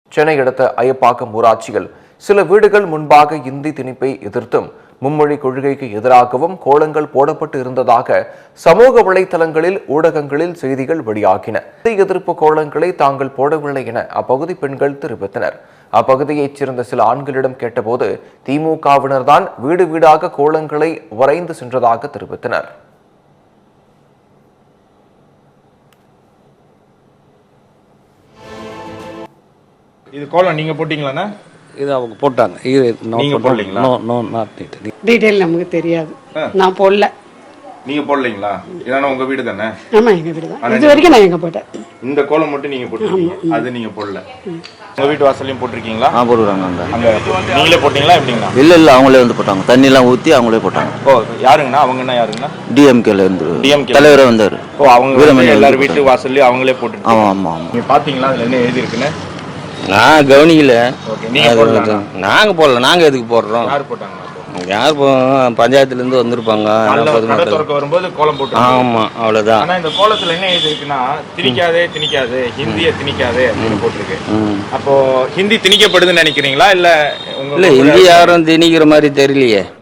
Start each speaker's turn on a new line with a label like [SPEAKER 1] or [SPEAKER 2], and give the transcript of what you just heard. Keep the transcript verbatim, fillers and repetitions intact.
[SPEAKER 1] சென்னை அடுத்த அயப்பாக்கம் ஊராட்சியில் சில வீடுகள் முன்பாக இந்தி திணிப்பை எதிர்த்தும் மும்மொழி கொள்கைக்கு எதிராகவும் கோலங்கள் போடப்பட்டு இருந்ததாக சமூக வலைதளங்களில் ஊடகங்களில் செய்திகள் வெளியாகின. இந்தி எதிர்ப்பு கோலங்களை தாங்கள் போடவில்லை என அப்பகுதி பெண்கள் தெரிவித்தனர். அப்பகுதியைச் சேர்ந்த சில ஆண்களிடம் கேட்டபோது திமுகவினர்தான் வீடு வீடாக கோலங்களை வரைந்து சென்றதாக தெரிவித்தனர்.
[SPEAKER 2] இது கோலம் நீங்க போட்டீங்களாண்ணா?
[SPEAKER 3] இது அவங்க போட்டாங்க. இது
[SPEAKER 2] நீங்க போடலீங்களா?
[SPEAKER 3] No no not need.
[SPEAKER 4] Detail நமக்கு தெரியாது. நான் போடல.
[SPEAKER 2] நீங்க போடலீங்களா? இதான உங்க வீடு தானே?
[SPEAKER 4] ஆமா, எங்க வீடு தான். இது வரைக்கும் நான் எங்க போட்டேன்.
[SPEAKER 2] இந்த கோலம் மட்டும் நீங்க போட்டீங்க. அது நீங்க போடல. உங்க வீட்டு வாசல்லையும் போட்டிருக்கீங்களா?
[SPEAKER 5] ஆ போடுறாங்க. அங்க
[SPEAKER 2] அங்க நீங்களே போட்டீங்களா எப்படிங்களா?
[SPEAKER 5] இல்ல இல்ல அவங்களே வந்து போட்டாங்க. தண்ணி எல்லாம் ஊத்தி அவங்களே போட்டாங்க.
[SPEAKER 2] ஓ யாருங்கண்ணா? அவங்கன்னா யாருங்கண்ணா?
[SPEAKER 5] டிஎம்கேல இருந்து
[SPEAKER 2] டிஎம்கே
[SPEAKER 5] தலைவரே வந்தாரு.
[SPEAKER 2] ஓ அவங்க எல்லாரும் வீட்டு வாசல்லையும் அவங்களே போட்டு.
[SPEAKER 5] ஆமா ஆமா ஆமா.
[SPEAKER 2] நீங்க பாத்தீங்களா அதுல என்ன எழுதி இருக்குன்னு?
[SPEAKER 5] நான் கவனிக்கல.
[SPEAKER 2] நாங்க
[SPEAKER 5] போடல. நாங்க எதுக்கு போடுறோம்?
[SPEAKER 2] யாரு போட்டாங்க?
[SPEAKER 5] யார் பஞ்சாயத்துல இருந்து வந்திருப்பாங்க.
[SPEAKER 2] வரும்போது கோலம் போட்டு.
[SPEAKER 5] ஆமா அவ்வளவுதான்.
[SPEAKER 2] ஆனா இந்த கோலத்துல என்ன எழுதி இருக்குன்னா திணிக்காதே திணிக்காதே ஹிந்திய திணிக்காதே அப்படின்னு போட்டிருக்கு. அப்போ ஹிந்தி திணிக்கப்படுதுன்னு நினைக்கிறீங்களா? இல்ல
[SPEAKER 5] இல்ல ஹிந்தி யாரும் திணிக்கிற மாதிரி தெரியலையே.